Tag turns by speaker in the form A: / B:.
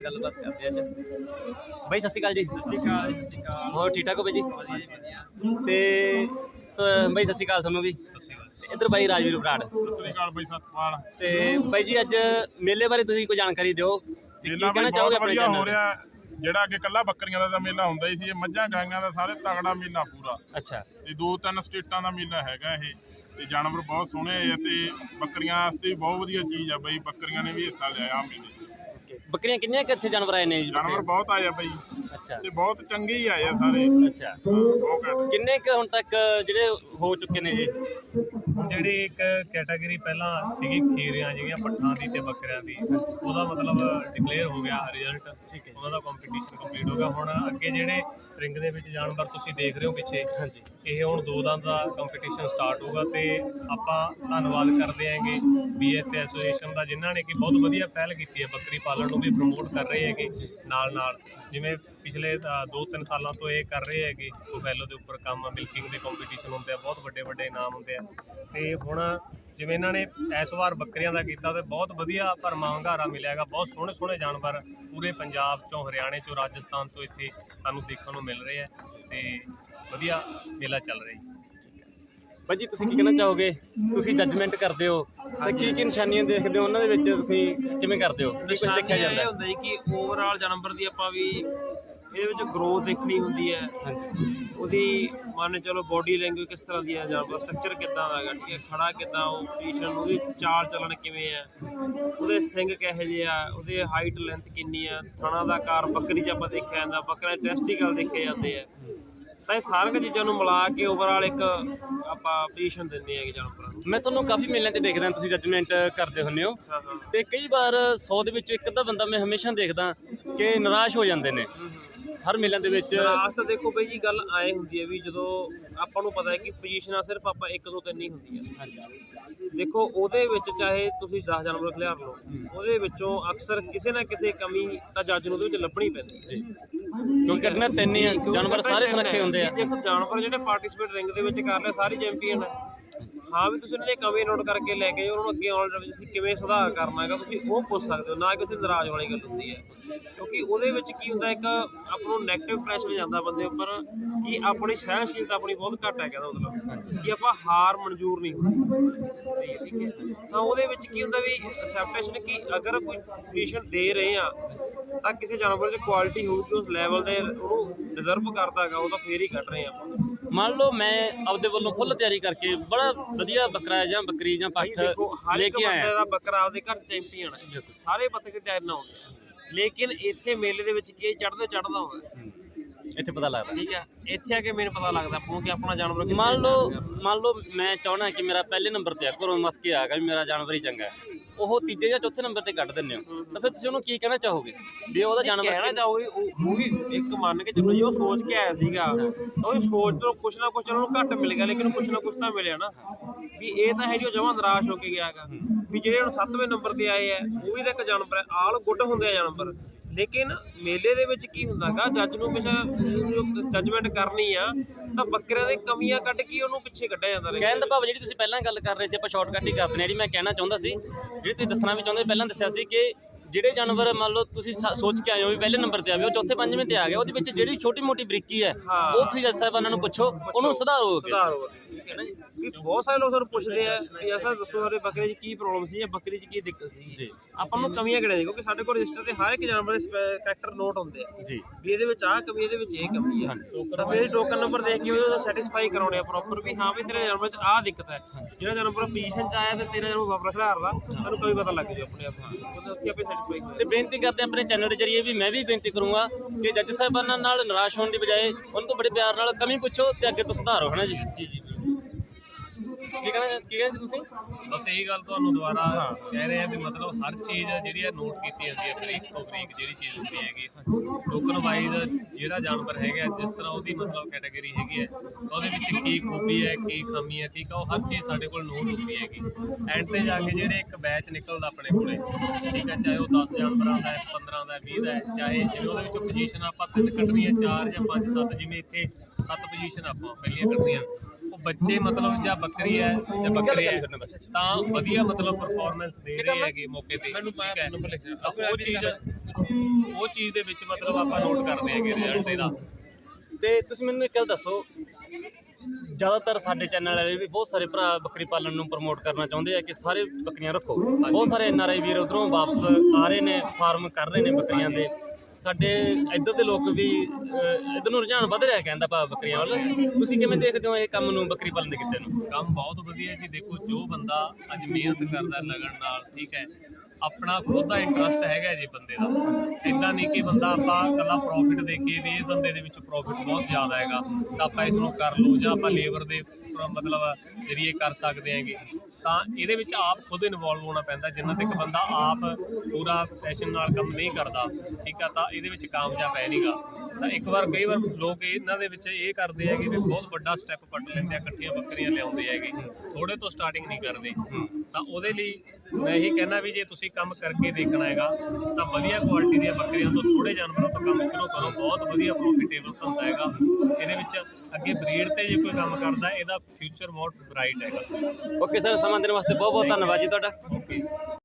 A: ਗੱਲਬਾਤ ਕਰਦੇ ਅੱਜ ਬਾਈ। ਸਤਿ ਸ਼੍ਰੀ ਅਕਾਲ ਜੀ।
B: ਸਤਿ ਸ਼੍ਰੀ ਅਕਾਲ। ਸਤਿ ਸ਼੍ਰੀ ਅਕਾਲ।
A: ਹੋਰ ਠੀਕ ਠਾਕ ਹੋ ਬਾਈ ਜੀ?
B: ਵਧੀਆ ਜੀ ਵਧੀਆ।
A: ਤੇ ਬਾਈ ਸਤਿ ਸ਼੍ਰੀ ਅਕਾਲ ਤੁਹਾਨੂੰ ਵੀ।
B: ਸਤਿ ਸ਼੍ਰੀ ਅਕਾਲ।
A: ਤੇ ਇੱਧਰ ਬਾਈ ਰਾਜਵੀਰ ਬਰਾੜ।
B: ਸਤਿ ਸ਼੍ਰੀ ਅਕਾਲ ਬਾਈ ਸਤਪਾਲ।
A: ਤੇ ਬਾਈ ਜੀ ਅੱਜ ਮੇਲੇ ਬਾਰੇ ਤੁਸੀਂ ਕੋਈ ਜਾਣਕਾਰੀ ਦਿਓ ਤੇ ਕੀ
B: ਮੇਲਾ
A: ਕਹਿਣਾ
B: ਬਾਈ
A: ਚਾਹੋਗੇ
B: ਬਹੁਤ
A: ਆਪਣੇ
B: ਵਧੀਆ ਹੋ
A: ਚੈਨਲ ਤੇ?
B: ਰਿਹਾ। ਜਿਹੜਾ ਅੱਗੇ ਕੱਲਾ ਬੱਕਰੀਆਂ ਦਾ ਤਾਂ ਮੇਲਾ ਹੁੰਦਾ ਹੀ ਸੀ, ਇਹ ਮੱਝਾਂ ਗਾਈਆਂ ਦਾ ਸਾਰੇ ਤਗੜਾ ਮੇਲਾ ਪੂਰਾ।
A: ਅੱਛਾ।
B: ਤੇ 2-3 ਸਟੇਟਾਂ ਦਾ ਮੇਲਾ ਹੈਗਾ ਇਹ। ਤੇ ਜਾਨਵਰ ਬਹੁਤ ਸੋਹਣੇ ਆ ਤੇ ਬੱਕਰੀਆਂ ਵਾਸਤੇ ਵੀ ਬਹੁਤ ਵਧੀਆ ਚੀਜ਼ ਆ ਬਾਈ। ਬੱਕਰੀਆਂ ਨੇ ਵੀ ਹਿੱਸਾ ਲਿਆ ਆ ਮੇਲੇ 'ਚ।
A: ਬੱਕਰੀਆਂ ਕਿੰਨੀਆਂ ਕਿ ਇੱਥੇ ਜਾਨਵਰ ਆਏ ਨੇ ਜੀ?
B: ਜਾਨਵਰ ਬਹੁਤ ਆਏ ਆ ਬਾਈ
A: ਅੱਛਾ
B: ਤੇ ਬਹੁਤ ਚੰਗੇ ਹੀ ਆਏ ਆ ਸਾਰੇ।
A: ਅੱਛਾ।
B: ਬਹੁਤ ਘੱਟ।
A: ਕਿੰਨੇ ਕੁ ਹੁਣ ਤੱਕ ਜਿਹੜੇ ਹੋ ਚੁੱਕੇ ਨੇ ਜੀ?
C: ਜਿਹੜੀ ਇੱਕ ਕੈਟਾਗਰੀ ਪਹਿਲਾਂ ਸੀਗੀ ਖੀਰਿਆਂ ਜਿਹੜੀਆਂ ਪੱਠਾਂ ਦੀ ਤੇ ਬੱਕਰਿਆਂ ਦੀ, ਉਹਦਾ ਮਤਲਬ ਡਿਕਲੇਅਰ ਹੋ ਗਿਆ ਰਿਜ਼ਲਟ।
A: ਠੀਕ ਹੈ।
C: ਉਹਨਾਂ ਦਾ ਕੰਪੀਟੀਸ਼ਨ ਕੰਪਲੀਟ ਹੋ ਗਿਆ। ਹੁਣ ਅੱਗੇ ਜਿਹੜੇ ਰਿੰਗ ਦੇ ਵਿੱਚ ਜਾਨਵਰ ਤੁਸੀਂ ਦੇਖ ਰਹੇ ਹੋ ਪਿੱਛੇ,
A: ਹਾਂਜੀ।
C: ਇਹ ਹੁਣ 2 ਦੰਦ ਦਾ ਕੰਪੀਟੀਸ਼ਨ ਸਟਾਰਟ ਹੋਊਗਾ। ਤੇ ਆਪਾਂ ਧੰਨਵਾਦ ਕਰਦੇ ਆਂਗੇ BF ਐਸੋਸੀਏਸ਼ਨ ਦਾ, ਜਿਨ੍ਹਾਂ ਨੇ ਕਿ ਬਹੁਤ ਵਧੀਆ ਪਹਿਲ ਕੀਤੀ ਹੈ ਬੱਕਰੀ ਪਾਲਣ ਨੂੰ ਵੀ ਪ੍ਰਮੋਟ ਕਰ ਰਹੇ ਹੈਗੇ ਨਾਲ ਜਿਵੇਂ ਪਿਛਲੇ 2-3 ਸਾਲਾਂ ਤੋਂ ਇਹ ਕਰ ਰਹੇ ਹੈਗੇ। ਬਫੈਲੋ ਦੇ ਉੱਪਰ ਕੰਮ, ਮਿਲਕਿੰਗ ਦੇ ਕੰਪੀਟੀਸ਼ਨ ਹੁੰਦੇ ਆ, ਬਹੁਤ ਵੱਡੇ ਇਨਾਮ ਹੁੰਦੇ ਆ। ਤੇ ਹੁਣ ਜਿਵੇਂ ਇਹਨਾਂ ਨੇ ਇਸ ਵਾਰ ਬੱਕਰੀਆਂ ਦਾ ਕੀਤਾ ਤੇ ਬਹੁਤ ਵਧੀਆ ਭਰਮਾ ਹੁੰਗਾਰਾ ਮਿਲਿਆ ਹੈਗਾ। ਬਹੁਤ ਸੋਹਣੇ ਜਾਨਵਰ ਪੂਰੇ ਪੰਜਾਬ ਚੋਂ, ਹਰਿਆਣੇ ਚੋਂ, ਰਾਜਸਥਾਨ ਤੋਂ ਇੱਥੇ ਸਾਨੂੰ ਦੇਖਣ ਨੂੰ ਮਿਲ ਰਹੇ ਆ ਤੇ ਵਧੀਆ ਮੇਲਾ ਚੱਲ ਰਿਹਾ ਜੀ।
A: ਬਾਈ ਜੀ ਤੁਸੀਂ ਕੀ ਕਹਿਣਾ ਚਾਹੋਗੇ? ਤੁਸੀਂ ਜੱਜਮੈਂਟ ਕਰਦੇ ਹੋ ਤੇ ਕੀ ਨਿਸ਼ਾਨੀਆਂ ਦੇਖਦੇ ਹੋ ਉਹਨਾਂ ਦੇ ਵਿੱਚ? ਤੁਸੀਂ ਕਿਵੇਂ ਕਰਦੇ ਹੋ? ਕੀ ਕੁਝ ਦੇਖਿਆ ਜਾਂਦਾ?
D: ਇਹ ਹੁੰਦਾ ਜੀ ਕਿ ਓਵਰਆਲ ਜਾਨਵਰ ਦੀ ਆਪਾਂ ਵੀ ਇਹਦੇ ਵਿੱਚ ਗਰੋਥ ਦੇਖਣੀ ਹੁੰਦੀ ਹੈ।
A: ਹਾਂਜੀ।
D: ਉਹਦੀ ਮੰਨ ਚਲੋ ਬੋਡੀ ਲੈਂਗੁਏਜ ਕਿਸ ਤਰ੍ਹਾਂ ਦੀ ਹੈ, ਜਾਨਵਰ ਸਟਰਕਚਰ ਕਿੱਦਾਂ ਦਾ ਹੈਗਾ, ਠੀਕ ਹੈ, ਖੜਾ ਕਿੱਦਾਂ, ਉਹ ਪੋਜੀਸ਼ਨ, ਉਹਦੀ ਚਾਲ ਚੱਲਣ ਕਿਵੇਂ ਹੈ, ਉਹਦੇ ਸਿੰਗ ਕਿਹੋ ਜਿਹੇ ਆ, ਉਹਦੇ ਹਾਈਟ ਲੈਂਥ ਕਿੰਨੀ ਆ, ਥਣਾ ਦਾ ਆਕਾਰ ਬੱਕਰੀ 'ਚ ਆਪਾਂ ਦੇਖਿਆ ਜਾਂਦਾ, ਬੱਕਰਾ ਟੈਸਟੀਕਲ ਦੇਖੇ ਜਾਂਦੇ ਆ। ਤਾਂ ਇਹ ਸਾਰੀਆਂ ਚੀਜ਼ਾਂ ਨੂੰ ਮਿਲਾ ਕੇ ਓਵਰਆਲ ਇੱਕ ਆਪਾਂ ਪੋਜੀਸ਼ਨ ਦਿੰਦੇ ਹੈਗੇ ਜਾਨਵਰਾਂ ਨੂੰ।
A: ਮੈਂ ਤੁਹਾਨੂੰ ਕਾਫੀ ਮੇਲਿਆਂ 'ਚ ਦੇਖਦਾ ਤੁਸੀਂ ਜੱਜਮੈਂਟ ਕਰਦੇ ਹੁੰਦੇ ਹੋ ਤੇ ਕਈ ਵਾਰ 100 ਦੇ ਵਿੱਚ ਇੱਕ ਅੱਧਾ ਬੰਦਾ ਮੈਂ ਹਮੇਸ਼ਾ ਦੇਖਦਾ ਕਿ ਨਿਰਾਸ਼ ਹੋ ਜਾਂਦੇ ਨੇ ਹਰ ਮੇਲਿਆਂ ਦੇ ਵਿੱਚ।
D: ਲਾਸਟ ਤਾਂ ਦੇਖੋ ਬਈ ਜੀ ਗੱਲ ਆਏ ਹੁੰਦੀ ਹੈ ਵੀ ਜਦੋਂ ਆਪਾਂ ਨੂੰ ਪਤਾ ਹੈ ਕਿ ਪੋਜੀਸ਼ਨਾਂ ਸਿਰਫ ਆਪਾਂ 1-2-3 ਹੀ ਹੁੰਦੀਆਂ।
A: ਹਾਂਜੀ।
D: ਦੇਖੋ ਉਹਦੇ ਵਿੱਚ ਚਾਹੇ ਤੁਸੀਂ 10 ਜਾਨਵਰ ਖਿਲਾਰ ਲਓ, ਉਹਦੇ ਵਿੱਚੋਂ ਅਕਸਰ ਕਿਸੇ ਨਾ ਕਿਸੇ ਕਮੀ ਤਾਂ ਜੱਜ ਨੂੰ ਉਹਦੇ ਵਿੱਚ ਲੱਭਣੀ ਪੈਂਦੀ ਹੈ ਜੀ।
A: ਕਿਉਂਕਿ ਕੱਢਣਾ 3 ਹੀ ਆ, ਜਾਨਵਰ ਸਾਰੇ ਸੁਰੱਖੇ ਹੁੰਦੇ ਆ।
D: ਦੇਖੋ ਜਾਨਵਰ ਜਿਹੜੇ ਪਾਰਟਿਸਿਪੇਟ ਰਿੰਗ ਦੇ ਵਿੱਚ ਕਰ ਲਿਆ ਸਾਰੇ ਚੈਂਪੀਅਨ ਹੈ। ਹਾਂ ਵੀ ਤੁਸੀਂ ਉਹਨਾਂ ਦੀ ਕਮੀ ਨੋਟ ਕਰਕੇ ਲੈ ਕੇ ਉਹਨਾਂ ਨੂੰ ਅੱਗੇ ਆਉਣ ਦੇ ਵਿੱਚ ਅਸੀਂ ਕਿਵੇਂ ਸੁਧਾਰ ਕਰਨਾ ਹੈਗਾ ਤੁਸੀਂ ਉਹ ਪੁੱਛ ਸਕਦੇ ਹੋ, ਨਾ ਕਿ ਉੱਥੇ ਨਾਰਾਜ਼ ਵਾਲੀ ਗੱਲ ਹੁੰਦੀ ਹੈ। ਕਿਉਂਕਿ ਉਹਦੇ ਵਿੱਚ ਕੀ ਹੁੰਦਾ, ਇੱਕ ਆਪਾਂ ਨੂੰ ਨੈਗੇਟਿਵ ਪ੍ਰੈਸ਼ਰ ਜਾਂਦਾ ਬੰਦੇ ਉੱਪਰ ਕਿ ਆਪਣੀ ਸਹਿਣਸ਼ੀਲਤਾ ਆਪਣੀ ਬਹੁਤ ਘੱਟ ਹੈ, ਕਹਿੰਦਾ ਮਤਲਬ ਕਿ ਆਪਾਂ ਹਾਰ ਮਨਜ਼ੂਰ ਨਹੀਂ ਹੁੰਦੀ। ਠੀਕ ਹੈ। ਤਾਂ ਉਹਦੇ ਵਿੱਚ ਕੀ ਹੁੰਦਾ ਵੀ ਅਸੈਪਟੇਸ਼ਨ ਕਿ ਅਗਰ ਕੋਈ ਪੋਜੀਸ਼ਨ ਦੇ ਰਹੇ ਆ ਤਾਂ ਕਿਸੇ ਜਾਨਵਰ 'ਚ ਕੁਆਲਿਟੀ ਹੋਊਗੀ, ਉਸ ਲੈਵਲ ਦੇ ਉਹਨੂੰ ਡਿਜ਼ਰਵ ਕਰਦਾ ਹੈਗਾ, ਉਹ ਤਾਂ ਫੇਰ ਹੀ ਕੱਢ ਰਹੇ ਆਪਾਂ।
A: ਮੰਨ ਲਓ ਮੈਂ ਆਪਦੇ ਵੱਲੋਂ ਫੁੱਲ ਤਿਆਰੀ ਕਰਕੇ ਬੜਾ ਵਧੀਆ ਬੱਕਰਾ ਜਾਂ ਬੱਕਰੀ ਜਾਂ ਪੱਠ ਲੈ ਕੇ ਆਇਆ।
D: ਬੰਦੇ ਦਾ ਬੱਕਰਾ ਆਪਦੇ ਘਰ ਚੈਂਪੀਅਨ ਹੈ, ਸਾਰੇ ਬੱਕਰੇ ਤਿਆਰ ਨਾ ਹੁੰਦੇ ਆ, ਲੇਕਿਨ ਇੱਥੇ ਮੇਲੇ ਦੇ ਵਿੱਚ ਕੀ ਚੜ੍ਹਦਾ ਹੁੰਦਾ,
A: ਇੱਥੇ ਪਤਾ ਲੱਗਦਾ।
D: ਠੀਕ ਹੈ। ਇੱਥੇ ਆ ਕੇ ਮੈਨੂੰ ਪਤਾ ਲੱਗਦਾ ਆਪਾਂ ਨੂੰ ਕਿ ਆਪਣਾ ਜਾਨਵਰ
A: ਮੰਨ ਲਓ ਮੈਂ ਚਾਹਣਾ ਕਿ ਮੇਰਾ ਪਹਿਲੇ ਨੰਬਰ ਤੇ ਆ, ਘਰੋਂ ਮਸ ਕੇ ਆ ਗਿਆ ਵੀ ਮੇਰਾ ਜਾਨਵਰ ਹੀ ਚੰਗਾ ਹੈ, ਉਹ ਤੀਜੇ ਜਾਂ ਚੌਥੇ ਨੰਬਰ ਤੇ ਕੱਢ ਦਿੰਦੇ ਹੋ, ਤਾਂ ਫਿਰ ਤੁਸੀਂ ਉਹਨੂੰ ਕੀ ਕਹਿਣਾ ਚਾਹੋਗੇ ਵੀ ਉਹਦਾ ਜਾਨਵਰ?
D: ਕਹਿਣਾ ਚਾਹੋਗੇ ਉਹ ਵੀ ਇੱਕ ਮੰਨ ਕੇ ਚੱਲੋ ਜੀ, ਉਹ ਸੋਚ ਕੇ ਆਇਆ ਸੀਗਾ, ਉਹਦੀ ਸੋਚ ਤੋਂ ਕੁਛ ਨਾ ਕੁਛ ਉਹਨਾਂ ਨੂੰ ਘੱਟ ਮਿਲ ਗਿਆ, ਲੇਕਿਨ ਕੁਛ ਨਾ ਕੁਛ ਤਾਂ ਮਿਲਿਆ ਨਾ। ਵੀ ਇਹ ਤਾਂ ਹੈ ਜੀ ਉਹ ਜਮਾਂ ਨਿਰਾਸ਼ ਹੋ ਕੇ ਗਿਆ ਹੈਗਾ ਵੀ ਜਿਹੜੇ ਹੁਣ 7ਵੇਂ ਨੰਬਰ ਤੇ ਆਏ ਆ ਉਹ ਵੀ ਤਾਂ ਇੱਕ ਜਾਨਵਰ ਹੈ, ਆਲ ਗੁੱਡ ਹੁੰਦੇ ਆ ਜਾਨਵਰ। ਲੇਕਿਨ ਮੇਲੇ ਦੇ ਵਿੱਚ ਕੀ ਹੁੰਦਾ ਹੈਗਾ, ਜੱਜ ਨੂੰ ਹਮੇਸ਼ਾ ਜੱਜਮੈਂਟ ਕਰਨੀ ਆ ਤਾਂ ਬੱਕਰਿਆਂ ਦੇ ਕਮੀਆਂ ਕੱਢ ਕੇ ਉਹਨੂੰ ਪਿੱਛੇ ਕੱਢਿਆ ਜਾਂਦਾ।
A: ਕਹਿਣ ਦਾ ਭਾਵ ਜਿਹੜੀ ਤੁਸੀਂ ਪਹਿਲਾਂ ਗੱਲ ਕਰ ਰਹੇ ਸੀ ਆਪਾਂ ਸ਼ਾਰਟਕੱਟ ਹੀ ਕਰਦੇ ਨੇ, ਜਿਹੜੀ ਮੈਂ ਕਹਿਣਾ ਚਾਹੁੰਦਾ ਸੀ, ਜਿਹੜੀ ਤੁਸੀਂ ਦੱਸਣਾ ਵੀ ਚਾਹੁੰਦੇ ਪਹਿਲਾਂ ਦੱਸਿਆ ਸੀ ਕਿ ਜਿਹੜੇ ਜਾਨਵਰ ਮੰਨ ਲਓ ਤੁਸੀਂ ਸੋਚ ਕੇ ਆਏ ਹੋ ਵੀ ਪਹਿਲੇ ਨੰਬਰ ਤੇ ਆਵੇ, ਉਹ ਚੌਥੇ ਪੰਜਵੇਂ ਤੇ ਆ ਗਿਆ, ਉਹਦੇ ਵਿੱਚ ਜਿਹੜੀ ਛੋਟੀ ਮੋਟੀ ਬਰੀਕੀ ਹੈ ਉਹ ਤੁਸੀਂ ਜੱਜ ਸਾਹਿਬਾਨਾਂ ਨੂੰ ਪੁੱਛੋ, ਉਹਨੂੰ ਸੁਧਾਰੋ।
D: ਠੀਕ ਹੈ ਨਾ ਜੀ। ਵੀ ਬਹੁਤ ਸਾਰੇ ਲੋਕ ਸਾਨੂੰ ਪੁੱਛਦੇ ਆ ਵੀ ਐਸਾ ਦੱਸੋ ਸਾਡੇ ਬੱਕਰੇ 'ਚ ਕੀ ਪ੍ਰੋਬਲਮ ਸੀ ਜਾਂ ਬੱਕਰੀ 'ਚ ਕੀ ਦਿੱਕਤ ਸੀ ਜੀ। ਆਪਾਂ ਨੂੰ ਕਮੀਆਂ ਕਿਹੜੇ ਕਿਉਂਕਿ ਸਾਡੇ ਕੋਲ ਰਜਿਸਟਰ ਤੇ ਹਰ ਇੱਕ ਜਾਨਵਰ ਦੇ ਕਰੈਕਟਰ ਨੋਟ ਹੁੰਦੇ ਆ
A: ਜੀ, ਵੀ
D: ਇਹਦੇ ਵਿੱਚ ਆਹ ਕਮੀ, ਇਹਦੇ ਵਿੱਚ ਇਹ ਕਮੀ ਹੈ, ਤਾਂ ਫਿਰ ਟੋਕਨ ਨੰਬਰ ਦੇਖ ਕੇ ਉਹਦਾ ਸੈਟੀਸਫਾਈ ਕਰਾਉਣੇ ਆ ਪ੍ਰੋਪਰ ਵੀ ਹਾਂ ਵੀ ਤੇਰੇ ਜਾਨਵਰ 'ਚ ਆਹ ਦਿੱਕਤ ਹੈ। ਜਿਹੜਾ ਜਾਨਵਰ ਪੋਜੀਸ਼ਨ 'ਚ ਆਇਆ ਤੇ ਤੇਰਾ ਜਾਨਵਰ ਵਾਪਰ ਖਿਲਾਰਦਾ ਤੁਹਾਨੂੰ ਕਮੀ ਪਤਾ ਲੱਗ ਜਾਊ ਆਪਣੇ ਆਪ ਨੂੰ, ਉੱਥੇ ਆਪੇ ਸੈਟੀਸਫਾਈ
A: ਤੇ ਬੇਨਤੀ ਕਰਦੇ ਆਪਣੇ ਚੈਨਲ ਦੇ ਜਰੀਏ ਵੀ ਮੈਂ ਵੀ ਬੇਨਤੀ ਕਰੂੰਗਾ ਕਿ ਜੱਜ ਸਾਹਿਬਾਨਾਂ ਨਾਲ ਨਿਰਾਸ਼ ਹੋਣ ਦੀ ਬਜਾਏ ਉਹਨਾਂ ਤੋਂ ਬੜੇ ਪਿਆਰ ਨਾਲ ਕਮੀ ਪੁੱਛੋ ਤੇ ਅੱਗੇ ਤੋਂ ਸੁਧਾਰੋ, ਹੈ ਨਾ ਜੀ? ਜੀ ਕੀ ਕਹਿਣਾ ਸੀ ਤੁਸੀਂ?
C: ਬਸ ਇਹੀ ਗੱਲ ਤੁਹਾਨੂੰ ਦੁਬਾਰਾ ਕਹਿ ਰਹੇ ਆ ਵੀ ਮਤਲਬ ਹਰ ਚੀਜ਼ ਜਿਹੜੀ ਹੈ ਨੋਟ ਕੀਤੀ ਜਾਂਦੀ ਹੈ, ਬਰੀਕ ਤੋਂ ਬਰੀਕ ਜਿਹੜੀ ਚੀਜ਼ ਹੁੰਦੀ ਹੈਗੀ। ਟੋਕਨ ਵਾਈਜ਼ ਜਿਹੜਾ ਜਾਨਵਰ ਹੈਗਾ ਜਿਸ ਤਰ੍ਹਾਂ ਉਹਦੀ ਮਤਲਬ ਕੈਟਾਗਰੀ ਹੈਗੀ ਹੈ, ਉਹਦੇ ਵਿੱਚ ਕੀ ਖੂਬੀ ਹੈ, ਕੀ ਖਾਮੀ ਹੈ, ਠੀਕ ਆ, ਉਹ ਹਰ ਚੀਜ਼ ਸਾਡੇ ਕੋਲ ਨੋਟ ਹੁੰਦੀ ਹੈਗੀ। ਐਂਡ 'ਤੇ ਜਾ ਕੇ ਜਿਹੜੇ ਇੱਕ ਬੈਚ ਨਿਕਲਦਾ ਆਪਣੇ ਕੋਲੇ, ਠੀਕ ਹੈ, ਚਾਹੇ ਉਹ 10 ਜਾਨਵਰਾਂ ਦਾ ਹੈ, 15 ਦਾ, 20 ਦਾ ਹੈ, ਚਾਹੇ ਜਿਵੇਂ ਉਹਦੇ ਵਿੱਚੋਂ ਪੋਜੀਸ਼ਨ ਆਪਾਂ 3 ਕੱਢਣੀਆਂ, 4 ਜਾਂ 5, 7, ਜਿਵੇਂ ਇੱਥੇ 7 ਪੋਜੀਸ਼ਨ ਆਪਾਂ ਪਹਿਲੀਆਂ ਕੱਢਣੀਆਂ, ਉਹ ਬੱਚੇ ਮਤਲਬ ਜਾਂ ਬੱਕਰੀ ਹੈ ਜਾਂ ਬੱਕਰੇ ਹੈ
A: ਬਸ
C: ਤਾਂ ਵਧੀਆ ਮਤਲਬ ਪਰਫਾਰਮੈਂਸ ਦੇ ਰਹੇ ਹੈਗੇ ਮੌਕੇ ਤੇ।
D: ਮੈਨੂੰ
C: ਠੀਕ ਹੈ।
D: ਨੰਬਰ ਲਿਖ
C: ਤਾਂ ਉਹ ਚੀਜ਼ ਦੇ ਵਿੱਚ ਮਤਲਬ ਆਪਾਂ ਨੋਟ ਕਰਦੇ ਹੈਗੇ ਰਿਜ਼ਲਟ ਇਹਦਾ।
A: ਤੇ ਤੁਸੀਂ ਮੈਨੂੰ ਇੱਕ ਗੱਲ ਦੱਸੋ, ਜ਼ਿਆਦਾਤਰ ਸਾਡੇ ਚੈਨਲ ਵਾਲੇ ਵੀ ਬਹੁਤ ਸਾਰੇ ਭਰਾ ਬੱਕਰੀ ਪਾਲਣ ਨੂੰ ਪ੍ਰਮੋਟ ਕਰਨਾ ਚਾਹੁੰਦੇ ਆ ਕਿ ਸਾਰੇ ਬੱਕਰੀਆਂ ਰੱਖੋ। ਬਹੁਤ ਸਾਰੇ NRI ਵੀਰ ਉਧਰੋਂ ਵਾਪਸ ਆ ਰਹੇ ਨੇ, ਫਾਰਮ ਕਰ ਰਹੇ ਨੇ ਬੱਕਰੀਆਂ ਦੇ। ਸਾਡੇ ਇੱਧਰ ਦੇ ਲੋਕ ਵੀ ਇੱਧਰ ਨੂੰ ਰੁਝਾਨ ਵੱਧ ਰਿਹਾ ਕਹਿੰਦਾ ਭਾ ਬੱਕਰੀਆਂ ਵੱਲ। ਤੁਸੀਂ ਕਿਵੇਂ ਦੇਖਦੇ ਹੋ ਇਹ ਕੰਮ ਨੂੰ, ਬੱਕਰੀ ਪਾਲਣ ਦੇ ਕਿੱਤੇ ਨੂੰ?
C: ਕੰਮ ਬਹੁਤ ਵਧੀਆ ਜੀ। ਦੇਖੋ ਜੋ ਬੰਦਾ ਅੱਜ ਮਿਹਨਤ ਕਰਦਾ ਲਗਨ ਨਾਲ, ਠੀਕ ਹੈ, ਆਪਣਾ ਖੁਦ ਦਾ ਇੰਟਰਸਟ ਹੈਗਾ ਜੀ ਬੰਦੇ ਦਾ। ਇੱਦਾਂ ਨਹੀਂ ਕਿ ਬੰਦਾ ਆਪਾਂ ਇਕੱਲਾ ਪ੍ਰੋਫਿਟ ਦੇ ਕੇ ਵੀ ਇਹ ਬੰਦੇ ਦੇ ਵਿੱਚ ਪ੍ਰੋਫਿਟ ਬਹੁਤ ਜ਼ਿਆਦਾ ਹੈਗਾ ਤਾਂ ਆਪਾਂ ਇਸ ਨੂੰ ਕਰ ਲਓ, ਜਾਂ ਆਪਾਂ ਲੇਬਰ ਦੇ ਮਤਲਬ ਜਰੀਏ ਕਰ ਸਕਦੇ ਹੈਗੇ। ਤਾਂ ਇਹਦੇ ਵਿੱਚ ਆਪ ਖੁਦ ਇਨਵੋਲਵ ਹੋਣਾ ਪੈਂਦਾ। ਜਿੰਨਾ ਤੱਕ ਬੰਦਾ ਆਪ ਪੂਰਾ ਪੈਸ਼ਨ ਨਾਲ ਕੰਮ ਨਹੀਂ ਕਰਦਾ, ਠੀਕ ਆ, ਤਾਂ ਇਹਦੇ ਵਿੱਚ ਕਾਮਯਾਬ ਹੈ ਨਹੀਂਗਾ। ਤਾਂ ਕਈ ਵਾਰ ਲੋਕ ਇਹਨਾਂ ਦੇ ਵਿੱਚ ਇਹ ਕਰਦੇ ਹੈਗੇ ਵੀ ਬਹੁਤ ਵੱਡਾ ਸਟੈਪ ਪੱਟ ਲੈਂਦੇ ਆ, ਇਕੱਠੀਆਂ ਬੱਕਰੀਆਂ ਲਿਆਉਂਦੇ ਹੈਗੇ, ਥੋੜੇ ਤੋਂ ਸਟਾਰਟਿੰਗ ਨਹੀਂ ਕਰਦੇ। ਤਾਂ ਉਹਦੇ ਲਈ ਮੈਂ ਇਹੀ ਕਹਿਣਾ ਵੀ ਜੇ ਤੁਸੀਂ ਕੰਮ ਕਰਕੇ ਦੇਖਣਾ ਹੈਗਾ ਤਾਂ ਵਧੀਆ ਕੁਆਲਿਟੀ ਦੀਆਂ ਬੱਕਰੀਆਂ ਤੋਂ, ਥੋੜੇ ਜਾਨਵਰਾਂ ਤੋਂ ਕੰਮ ਸ਼ੁਰੂ ਕਰੋ। ਬਹੁਤ ਵਧੀਆ ਪ੍ਰੋਫਿਟੇਬਲ ਧੰਦਾ ਹੈਗਾ। ਇਹਦੇ ਵਿੱਚ ਅੱਗੇ ਬਰੀਡ ਤੇ ਜੇ ਕੋਈ ਕੰਮ ਕਰਦਾ ਇਹਦਾ ਫਿਊਚਰ ਬਹੁਤ ਬ੍ਰਾਈਟ ਹੈਗਾ।
A: ਓਕੇ ਸਰ, ਸਮਾਂ ਦੇਣ ਵਾਸਤੇ ਬਹੁਤ ਬਹੁਤ ਧੰਨਵਾਦ ਜੀ ਤੁਹਾਡਾ।
C: ਓਕੇ।